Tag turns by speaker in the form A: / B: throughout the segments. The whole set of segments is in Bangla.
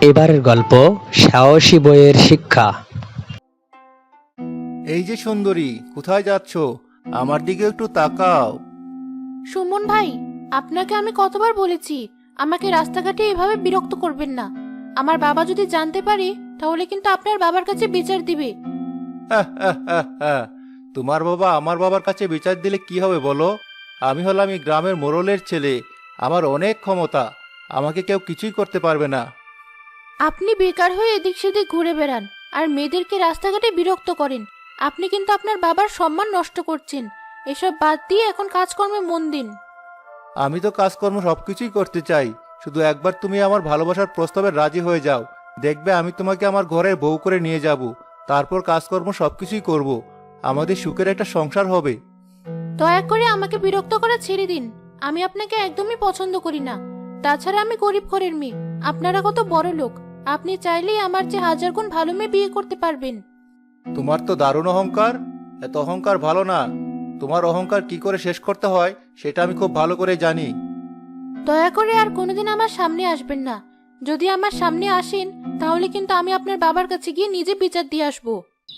A: এবারের গল্প সাহসী বইয়ের শিক্ষা।
B: এই যে সুন্দরী, কোথায় যাচ্ছ? আমার দিকে একটু তাকাও।
C: সুমন ভাই, আপনাকে আমি কতবার বলেছি আমাকে রাস্তাঘাটে এভাবে বিরক্ত করবেন না। আমার বাবা যদি জানতে পারে তাহলে কিন্তু আপনার বাবার কাছে বিচার দিবে।
B: তোমার বাবা আমার বাবার কাছে বিচার দিলে কি হবে বলো? আমি হলাম এই গ্রামের মোড়লের ছেলে। আমার অনেক ক্ষমতা। আমাকে কেউ কিছুই করতে পারবে না।
C: আপনি বেকার হয়ে এদিক সেদিক ঘুরে বেড়ান আর মেয়েদেরকে রাস্তাঘাটে বিরক্ত করেন। আপনি কিন্তু আপনার বাবার সম্মান নষ্ট করছেন। এসব বাদ দিয়ে এখন কাজকর্মে মন দিন।
B: আমি তো কাজকর্ম সবকিছুই করতে চাই। শুধু একবার তুমি আমার ভালোবাসার প্রস্তাবে রাজি হয়ে যাও। দেখবে আমি তোমাকে আমার ঘরের বউ করে নিয়ে যাব। তারপর কাজকর্ম সবকিছুই করব। আমাদের সুখের একটা সংসার হবে।
C: দয়া করে আমাকে বিরক্ত করা ছেড়ে দিন। আমি আপনাকে একদমই পছন্দ করি না। তাছাড়া আমি গরিব ঘরের মেয়ে, আপনারা কত বড় লোক। আপনি চাইলেই আমার চেয়ে হাজার গুণ ভালো মেয়ে বিয়ে করতে পারবেন।
B: তোমার তো দারুণ অহংকার। এত অহংকার ভালো না। তোমার অহংকার কি করে শেষ করতে হয় সেটা আমি খুব ভালো করে জানি।
C: দয়া করে আর কোনোদিন আমার সামনে আসবেন না। যদি আমার সামনে আসেন তাহলে কিন্তু আমি আপনার বাবার কাছে গিয়ে নিজে বিচার দিয়ে আসবো।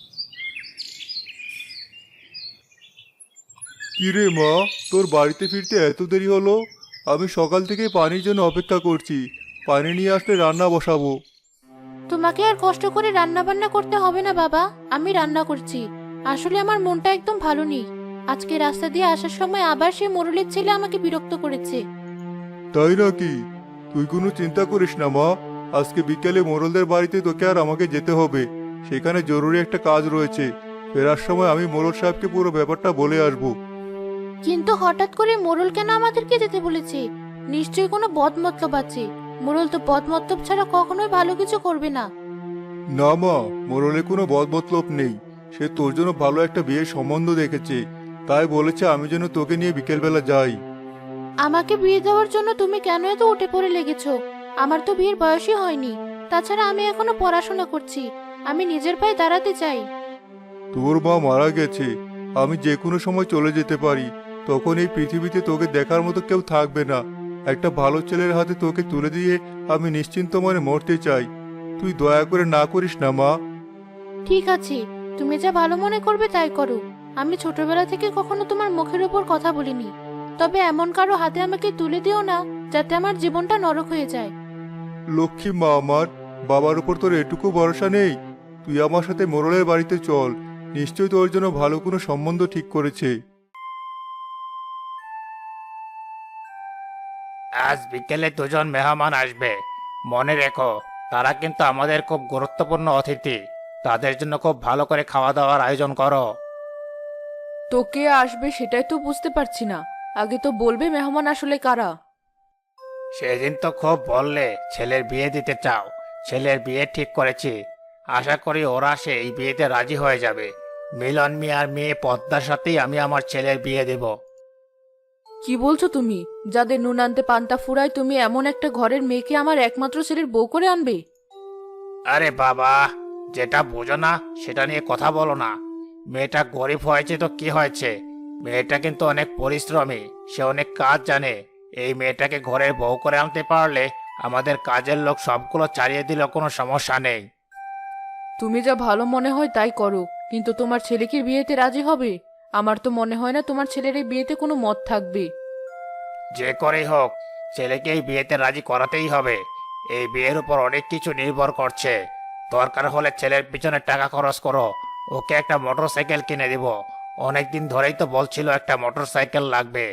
B: কি রে মা, তোর বাড়িতে ফিরতে এত দেরি হলো? আমি সকাল থেকে পানির জন্য অপেক্ষা করছি। পানি নিয়ে আসলে রান্না বসাবো।
C: তোমাকে আর কষ্ট করে রান্না বান্না করতে হবে না বাবা, আমি রান্না করছি। আসলে আমার মনটা একদম ভালো নেই। আজকে রাস্তা দিয়ে আসার সময় আবার সে মোড়লের ছেলে আমাকে বিরক্ত করেছে।
B: তাই নাকি? তুই কোনো চিন্তা করিস না মা। আজকে বিকেলে মোড়লদের বাড়িতে তোকে আর আমাকে যেতে হবে। সেখানে জরুরি একটা কাজ রয়েছে। ফেরার সময় আমি মোড়ল সাহেবকে পুরো ব্যাপারটা বলে আসবো।
C: কিন্তু হঠাৎ করে মোড়ল কেন আমাদেরকে যেতে বলেছে? নিশ্চয়ই কোনো বদমতলব আছে। মোড়ল তো বদমতলব ছাড়া কখনোই ভালো কিছু করবে না।
B: না মা, মোড়লে কোনো বদমতলব নেই। সে তোর জন্য ভালো একটা বিয়ের সম্বন্ধ দেখেছে। তাই বলেছে আমি যেন তোকে নিয়ে বিকেলবেলা যাই।
C: আমাকে বিয়ে দেওয়ার জন্য তুমি কেন এত উঠে পড়ে লেগেছো? আমার তো বিয়ের বয়সই হয়নি। তাছাড়া আমি এখনো পড়াশোনা করছি। আমি নিজের পায়ে দাঁড়াতে চাই।
B: তোর মা মারা গেছে। আমি যে কোনো সময় চলে যেতে পারি। তখন এই পৃথিবীতে তোকে দেখার মতো কেউ থাকবে না। একটা ভালো ছেলের হাতে তোকে তুলে দিয়ে আমি নিশ্চিন্ত মনে মরতে চাই। তুই দয়া করে না করিস না মা।
C: ঠিক আছে, তুমি যা ভালো মনে করবে তাই করো। আমি ছোটবেলা থেকে কখনো তোমার মুখের উপর কথা বলিনি। তবে এমন কারো হাতে আমাকে তুলে দিও না যাতে আমার জীবনটা নরক হয়ে যায়।
B: লক্ষ্মী মা আমার, বাবার উপর তোর এটুকু ভরসা নেই? তুই আমার সাথে মোড়লের বাড়িতে চল। নিশ্চয়ই তোর জন্য ভালো কোনো সম্বন্ধ ঠিক করেছে।
D: আজ বিকেলে দুজন মেহমান আসবে। মনে রেখো, তারা কিন্তু আমাদের খুব গুরুত্বপূর্ণ অতিথি। তাদের জন্য খুব ভালো করে খাওয়া দাওয়ার আয়োজন করো।
E: তো কে আসবে সেটাই তো বুঝতে পারছি না। আগে তো বলবে মেহমান আসলে কারা।
D: সেদিন তো খুব বললে ছেলের বিয়ে দিতে চাও। ছেলের বিয়ে ঠিক করেছি। আশা করি ওরা এই বিয়েতে রাজি হয়ে যাবে। মিলন মিয়ার মেয়ে পদ্মার সাথেই আমি আমার ছেলের বিয়ে দেব।
E: কি বলছো তুমি? যাদের নুন আনতে পান্তা ফুরায় তুমি এমন একটা ঘরের মেয়েকে আমার একমাত্র ছেলের বউ করে আনবে?
D: আরে বাবা, যেটা বোঝো না সেটা নিয়ে কথা বলো না। মেয়েটা গরিব হয়েছে তো কি হয়েছে? মেয়েটা কিন্তু অনেক পরিশ্রমী। সে অনেক কাজ জানে। এই মেয়েটাকে ঘরের বউ করে আনতে পারলে আমাদের কাজের লোক সবগুলো ছাড়িয়ে দিলেও কোনো সমস্যা নেই।
E: তুমি যা ভালো মনে হয় তাই করো, কিন্তু তোমার ছেলে কি বিয়েতে রাজি হবে? আমার তো মনে হয় না তোমার ছেলের এই বিয়েতে কোনো মত থাকবে।
D: যে করেই হোক, ছেলেকে এই বিয়েতে রাজি করাতেই হবে। এই বিয়ের উপর অনেক কিছু নির্ভর করছে। দরকার হলে ছেলের পিছনে টাকা খরচ করো। ওকে একটা মোটর সাইকেল কিনে দিব। অনেকদিন ধরেই তো বলছিল একটা মোটর সাইকেল লাগবে।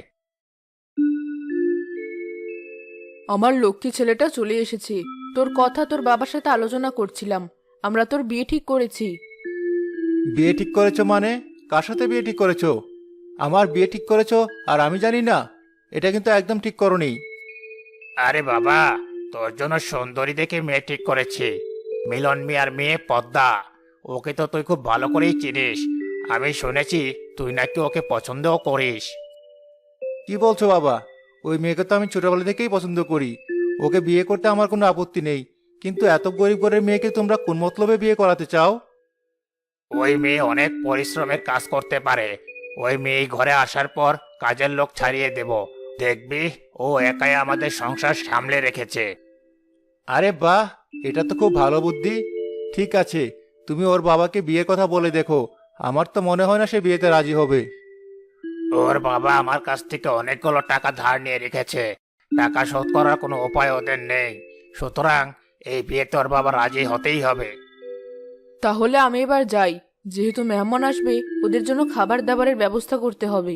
E: আমার লক্ষ্মী ছেলেটা চলে এসেছে। তোর কথা তোর বাবার সাথে আলোচনা করছিলাম। আমরা তোর বিয়ে ঠিক করেছি।
B: বিয়ে ঠিক করেছো মানে? কার সাথে বিয়ে ঠিক করেছো? আমার বিয়ে ঠিক করেছো আর আমি জানি না? এটা কিন্তু একদম ঠিক করোনি।
D: আরে বাবা, তোর জন্য সুন্দরী দেখে মেয়ে ঠিক করেছি। মিলন মিয়ার মেয়ে পদ্মা। ওকে তো তুই খুব ভালো করেই চিনিস। আমি শুনেছি তুই নাকি ওকে পছন্দও করিস।
B: কি বলছো বাবা? ওই মেয়েকে তো আমি ছোটবেলা থেকেই পছন্দ করি। ওকে বিয়ে করতে আমার কোনো আপত্তি নেই। কিন্তু এত গরিব ঘরের মেয়েকে তোমরা কোন মতলবে বিয়ে করাতে চাও?
D: ওই মেয়ে অনেক পরিশ্রমের কাজ করতে পারে। ওই মেয়ে ঘরে আসার পর কাজের লোক ছাড়িয়ে দেব। দেখবি ও একাই আমাদের সংসার সামলে রেখেছে।
B: আরে বাহ, এটা তো খুব ভালো বুদ্ধি। ঠিক আছে, তুমি ওর বাবাকে বিয়ের কথা বলে দেখো। আমার তো মনে হয় না সে বিয়েতে রাজি হবে।
D: ওর বাবা আমার কাছ থেকে অনেকগুলো টাকা ধার নিয়ে রেখেছে, টাকা শোধ করার কোনো উপায় ওদের নেই। সুতরাং এই বিয়েতে ওর বাবা রাজি হতেই হবে।
E: তাহলে আমি এবার যাই, যেহেতু মেহমান আসবে ওদের জন্য খাবার দাবারের ব্যবস্থা করতে হবে।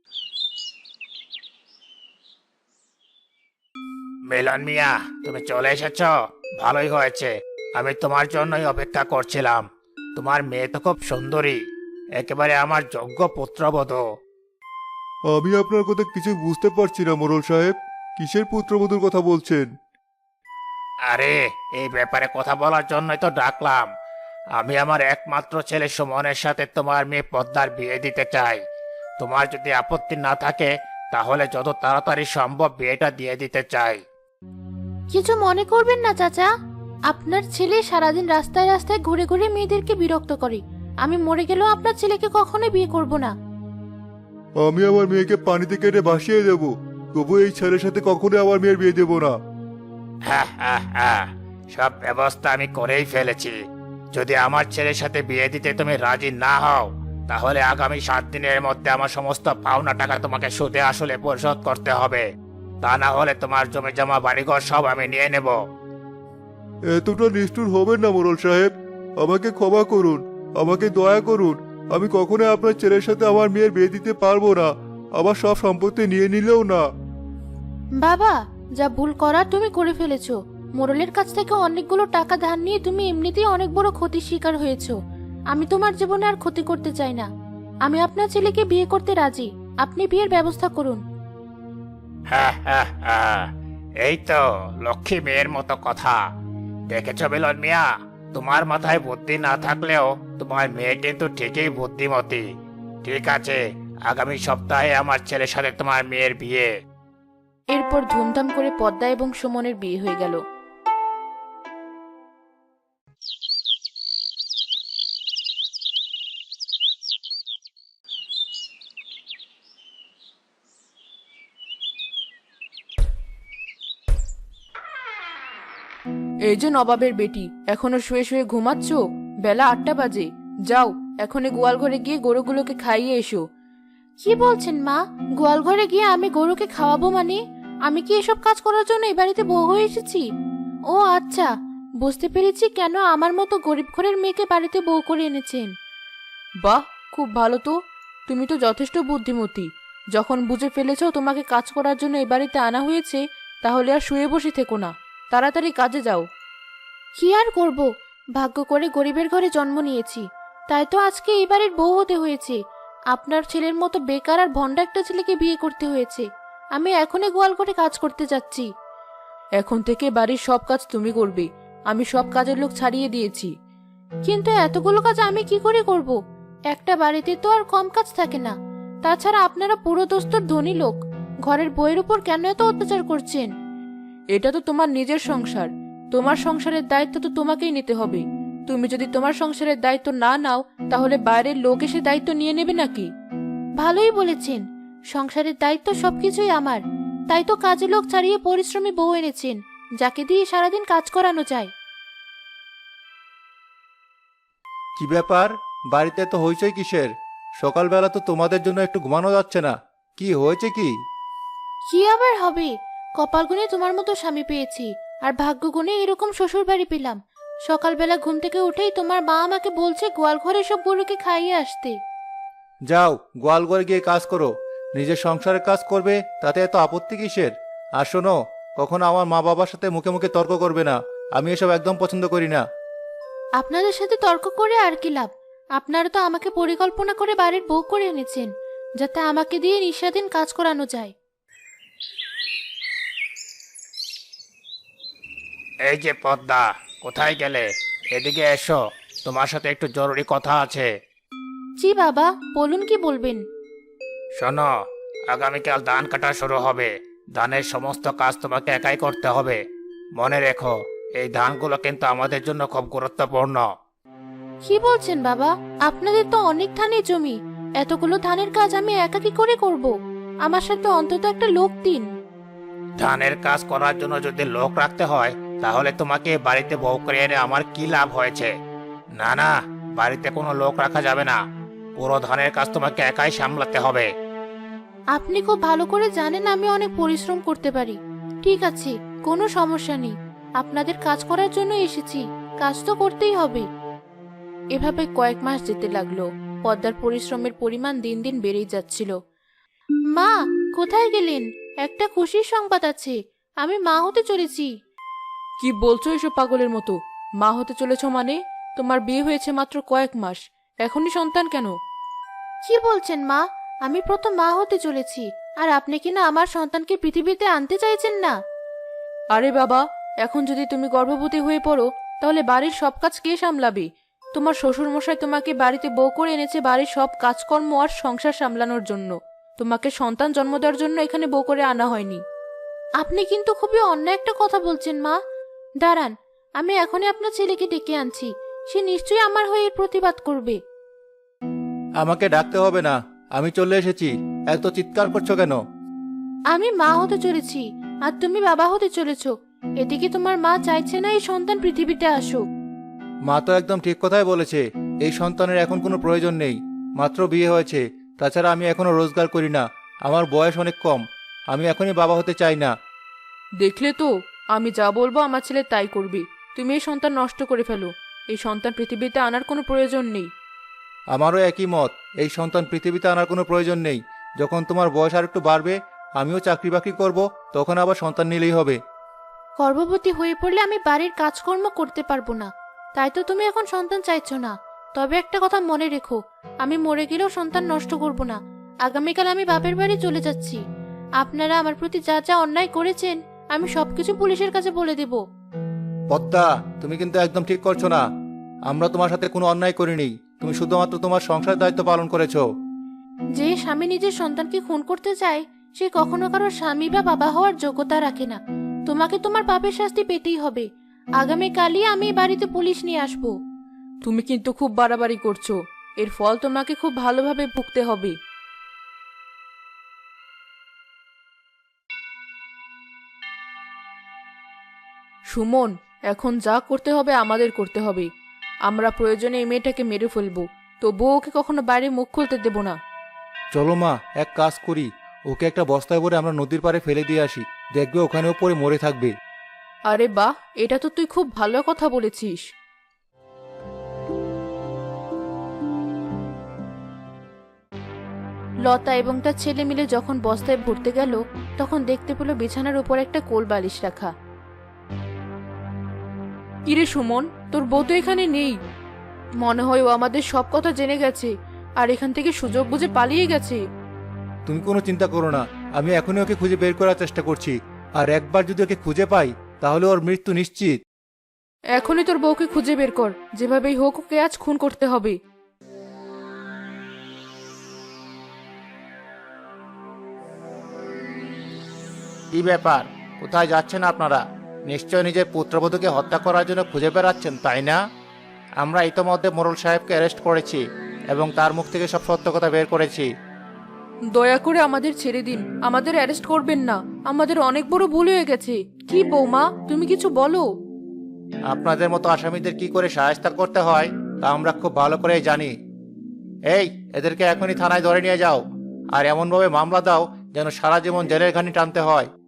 D: মিলন মিয়া, তুমি চলে এসেছ, ভালোই হয়েছে। আমি তোমার জন্যই অপেক্ষা করছিলাম। তোমার মেয়ে তো খুব সুন্দরী, একেবারে আমার যোগ্য পুত্রবধূ।
B: আমি আপনার কথা কিছু বুঝতে পারছি না মোড়ল সাহেব। কিসের পুত্রবধূর কথা বলছেন?
D: আরে, এই ব্যাপারে কথা বলার জন্যই তো ডাকলাম। আমি আমার একমাত্র ছেলে সুমনের সাথে তোমার মেয়ে পদ্মার বিয়ে দিতে চাই। তোমার যদি আপত্তি না থাকে তাহলে যত তাড়াতাড়ি সম্ভব বিয়েটা দিয়ে দিতে চাই।
C: কিছু মনে করবেন না চাচা, আপনার ছেলে সারাদিন রাস্তায় রাস্তায় ঘুরে ঘুরে মেয়েদেরকে বিরক্ত করে। আমি মরে গেলেও আপনার ছেলেকে কখনোই বিয়ে করব না।
B: আমি আমার মেয়েকে পানিতে কেটে ভাসিয়ে দেব, তবু এই ছেলের সাথে কখনোই আমার মেয়ের বিয়ে দেব না।
D: হ্যাঁ হ্যাঁ হ্যাঁ, সব ব্যবস্থা আমি করেই ফেলেছি। যদি আমার ছেলের সাথে বিয়ে দিতে তুমি রাজি না হও তাহলে আগামী 7 দিনের মধ্যে আমার সমস্ত পাওনা টাকা তোমাকে সুদে আসলে পরিশোধ করতে হবে। তা না হলে তোমার জমি জমা বাড়িঘর সব আমি নিয়ে নেব।
B: এতটা নিষ্ঠুর হবেন না মোড়ল সাহেব, আমাকে ক্ষমা করুন, আমাকে দয়া করুন। আমি কখনোই আপনার ছেলের সাথে আমার মেয়ের বিয়ে দিতে পারবো না, আমার সব সম্পত্তি নিয়ে নিলেও না।
C: বাবা, যা ভুল করার তুমি করে ফেলেছো। মোড়লের কাছ থেকে অনেকগুলো টাকা ধার নিয়ে তুমি এমনিতেই অনেক বড় ক্ষতির শিকার হয়েছো। আমি তোমার জীবনে আর ক্ষতি করতে চাই না। আমি আপনার ছেলেকে বিয়ে করতে রাজি, আপনি বিয়ের ব্যবস্থা করুন।
D: হ্যাঁ হ্যাঁ হ্যাঁ, এই তো লক্ষ্মী মেয়ের মতো কথা। দেখেছ মিলন মিয়া, তোমার মাথায় বুদ্ধি না থাকলেও তোমার মেয়ে কিন্তু ঠিকই বুদ্ধিমতী। ঠিক আছে, আগামী সপ্তাহে আমার ছেলের সাথে তোমার মেয়ের বিয়ে।
E: এরপর ধুমধাম করে পদ্মা এবং সুমনের বিয়ে হয়ে গেল। এই যে নবাবের বেটি, এখনো শুয়ে শুয়ে ঘুমাচ্ছ? বেলা 8টা বাজে। যাও, এখনই গোয়াল ঘরে গিয়ে গরুগুলোকে খাইয়ে এসো।
C: কি বলছেন মা? গোয়াল ঘরে গিয়ে আমি গরুকে খাওয়াবো মানে? আমি কি এসব কাজ করার জন্য এই বাড়িতে বউ হয়ে এসেছি? ও আচ্ছা, বুঝতে পেরেছি কেন আমার মতো গরিব ঘরের মেয়েকে বাড়িতে বউ করে এনেছেন।
E: বাহ, খুব ভালো তো। তুমি তো যথেষ্ট বুদ্ধিমতী। যখন বুঝে ফেলেছো তোমাকে কাজ করার জন্য এ বাড়িতে আনা হয়েছে, তাহলে আর শুয়ে বসে থেকো না, তাড়াতাড়ি কাজে যাও।
C: কি আর করব, ভাগ্য করে গরিবের ঘরে জন্ম নিয়েছি, তাই তো আজকে এই বাড়ির বউ হতে হয়েছে। আপনার ছেলের মতো বেকার আর ভন্ডা একটা ছেলেকে বিয়ে করতে হয়েছে। আমি এখনই গোয়াল ঘরে কাজ করতে যাচ্ছি।
E: এখন থেকে বাড়ির সব কাজ তুমি করবে। আমি সব কাজের লোক ছাড়িয়ে দিয়েছি।
C: কিন্তু এতগুলো কাজ আমি কি করে করব? একটা বাড়িতে তো আর কম কাজ থাকে না। তাছাড়া আপনারা পুরো দস্তুর ধনী লোক, ঘরের বউয়ের উপর কেন এত অত্যাচার করছেন?
E: এটা তো তোমার নিজের সংসার, তোমার সংসারের দায়িত্ব তো তোমাকেই নিতে হবে। তুমি যদি তোমার সংসারের দায়িত্ব না নাও তাহলে বাইরের লোক এসে দায়িত্ব নিয়ে নেবে নাকি?
C: ভালোই বলেছেন, সংসারের দায়িত্ব সবকিছুই আমার। তাই তো কাজের লোক ছাড়িয়ে পরিশ্রমী বউ এনেছেন, যাকে দিয়ে সারাদিন কাজ করানো যায়।
B: কি ব্যাপার, বাড়িতে তো হইচই কিসের? সকালবেলা তো তোমাদের জন্য একটু ঘুমানো যাচ্ছে না, কি হয়েছে কি?
C: কি আবার হবে, কপাল গুনে তোমার মতো স্বামী পেয়েছি, আর ভাগ্য গুনে এরকম শ্বশুর বাড়ি পেলাম। সকালবেলা ঘুম থেকে উঠেই তোমার মা আমাকে বলছে গোয়াল ঘরে সব গরুকে খাইয়ে আসতে।
B: যাও, গোয়াল ঘরে গিয়ে কাজ করো, নিজের সংসারের কাজ করবে, তাতে এত আপত্তি কিসের? আর শোনো, কখনো আমার মা বাবার সাথে মুখে মুখে তর্ক করবে না, আমি এসব একদম পছন্দ করি না।
C: আপনাদের সাথে তর্ক করে আর কি লাভ? আপনারা তো আমাকে পরিকল্পনা করে বাড়ির বউ করে এনেছেন, যাতে আমাকে দিয়ে নিঃস্বাধীন কাজ করানো যায়।
D: এই যে পদ্মা, কোথায় গেলে? এদিকে এসো, তোমার সাথে একটু জরুরি কথা আছে।
C: জি বাবা, বলুন কি বলবেন।
D: শোনো, আগামীকাল ধান কাটা শুরু হবে। ধানের সমস্ত কাজ তোমাকে একাই করতে হবে। মনে রেখো, এই ধানগুলো কিন্তু আমাদের জন্য খুব গুরুত্বপূর্ণ।
C: কি বলছেন বাবা? আপনাদের তো অনেক ধানের জমি, এতগুলো ধানের কাজ আমি একা কি করে করব? আমার সাথে অন্তত একটা লোক দিন।
D: ধানের কাজ করার জন্য যদি লোক রাখতে হয় তাহলে তোমাকে বাড়িতে বউ করে এনে আমার কি লাভ হয়েছে? না না, বাড়িতে কোনো লোক রাখা যাবে না। পুরো ধানের কাজ তোমাকে একাই সামলাতে হবে।
C: আপনি খুব ভালো করে জানেন আমি অনেক পরিশ্রম করতে পারি। ঠিক আছে, কোনো সমস্যা নেই। আপনাদের কাজ করার জন্য এসেছি, কাজ তো করতেই হবে। এভাবে কয়েক মাস যেতে লাগলো। পদ্মার পরিশ্রমের পরিমাণ দিন দিন বেড়েই যাচ্ছিল। মা, কোথায় গেলেন? একটা খুশির সংবাদ আছে, আমি মা হতে চলেছি।
E: কি বলছো এসব পাগলের মতো? মা হতে চলেছ মানে? তোমার বিয়ে হয়েছে মাত্র কয়েক মাস, এখনই সন্তান কেন?
C: কি বলছেন মা? আমি প্রথম মা হতে চলেছি, আর আপনি কিনা আমার সন্তানকে পৃথিবীতে আনতে চাইছেন না?
E: আরে বাবা, এখন যদি তুমি গর্ভবতী হয়ে পড়ো তাহলে বাড়ির সব কাজ কে সামলাবে? তোমার শ্বশুর মশাই তোমাকে বাড়িতে বউ করে এনেছে বাড়ির সব কাজকর্ম আর সংসার সামলানোর জন্য। তোমাকে সন্তান জন্ম দেওয়ার জন্য এখানে বউ করে আনা হয়নি।
C: আপনি কিন্তু খুবই অন্য একটা কথা বলছেন মা। দাঁড়ান, আমি এখনই আপনার ছেলেকে ডেকে আনছি। সে নিশ্চয়ই আমার হয়ে এর প্রতিবাদ করবে।
B: আমাকে ডাকতে হবে না, আমি চলে এসেছি। এত চিৎকার করছো কেন?
C: আমি মা হতে চলেছি, আর তুমি বাবা হতে চলেছ। এদিকে তোমার মা চাইছে না এই সন্তান পৃথিবীতে আসুক।
B: মা তো একদম ঠিক কথাই বলেছে। এই সন্তানের এখন কোনো প্রয়োজন নেই, মাত্র বিয়ে হয়েছে। তাছাড়া আমি এখনো রোজগার করি না, আমার বয়স অনেক কম। আমি এখনই বাবা হতে চাই না।
E: দেখলে তো, আমি যা বলবো আমার ছেলে তাই করবে। তুমি এই সন্তান নষ্ট করে ফেলো। এই সন্তান পৃথিবীতে আনার কোনো প্রয়োজন নেই।
B: আমারও একই মত, এই সন্তান পৃথিবীতে আনার কোনো প্রয়োজন নেই। যখন তোমার বয়স আর একটু বাড়বে, আমিও চাকরি বাকরি করব, তখন আবার সন্তান নিলেই হবে।
C: গর্ভবতী হয়ে পড়লে আমি বাড়ির কাজকর্ম করতে পারবো না, তাই তো তুমি এখন সন্তান চাইছো না। তবে একটা কথা মনে রেখো, আমি মরে গেলেও সন্তান নষ্ট করব না। আগামীকাল আমি বাপের বাড়ি চলে যাচ্ছি। আপনারা আমার প্রতি যা যা অন্যায় করেছেন আমি সবকিছু পুলিশের কাছে বলে দেব।
B: পদ্মা, তুমি কিন্তু একদম ঠিক করছো না। আমরা তোমার সাথে কোনো অন্যায় করিনি, তুমি শুধুমাত্র তোমার সংসার দায়িত্ব পালন করেছো।
C: যে স্বামী নিজের সন্তানকে খুন করতে চায় সে কখনো কারো স্বামী বা বাবা হওয়ার যোগ্যতা রাখে না। তোমাকে তোমার পাপের শাস্তি পেতেই হবে। আগামীকালই আমি এই বাড়িতে পুলিশ নিয়ে আসব।
E: তুমি কিন্তু খুব বাড়াবাড়ি করছো। এর ফল তোমাকে খুব ভালোভাবে ভুগতে হবে। সুমন, এখন যা করতে হবে আমাদের করতে হবে। আমরা প্রয়োজনে এই মেয়েটাকে মেরে ফেলবো, তবুও ওকে কখনো বাইরে মুখ খুলতে দেব না।
B: চলো মা, এক কাজ করি, ওকে একটা বস্তায় ভরে আমরা নদীর পাড়ে ফেলে দিয়ে আসি। দেখবে ওখানেও পড়ে মরে থাকবে।
E: আরে বাহ, এটা তো তুই খুব ভালো কথা বলেছিস।
C: লতা এবং তার ছেলে মিলে যখন বস্তায় ভরতে গেল তখন দেখতে পেল বিছানার উপর একটা কোল বালিশ রাখা।
E: কিরে সুমন, তোর বউ তো এখানে নেই। মনে হয় ও আমাদের সব কথা জেনে গেছে আর এখান থেকে সুযোগ বুঝে পালিয়ে গেছে।
B: তুমি কোনো চিন্তা করো না, আমি এখনই ওকে খুঁজে বের করার চেষ্টা করছি। আর একবার যদি ওকে খুঁজে পাই তাহলে ওর মৃত্যু নিশ্চিত।
E: এখনই তোর বউকে খুঁজে বের কর, যেভাবেই হোক ওকে আজ খুন করতে হবে।
D: কি ব্যাপার, কোথায় যাচ্ছেন আপনারা? নিশ্চয় নিজের পুত্রবধূকে হত্যা করার জন্য খুঁজে বেড়াচ্ছেন, তাই না? আমরা ইতোমধ্যে মোড়ল সাহেবকে অ্যারেস্ট করেছি এবং তার মুখ থেকে সব সত্য কথা বের করেছি।
E: দয়া করে আমাদের ছেড়ে দিন, আমাদের অ্যারেস্ট করবেন না। আমাদের অনেক বড় ভুল হয়ে গেছে। কি বৌমা, তুমি কিছু বলো।
D: আপনাদের মতো আসামিদের কি করে সাহায্য করতে হয় তা আমরা খুব ভালো করেই জানি। এই, এদেরকে এখনই থানায় ধরে নিয়ে যাও আর এমনভাবে মামলা দাও যেন সারা জীবন জেলের ঘানি টানতে হয়।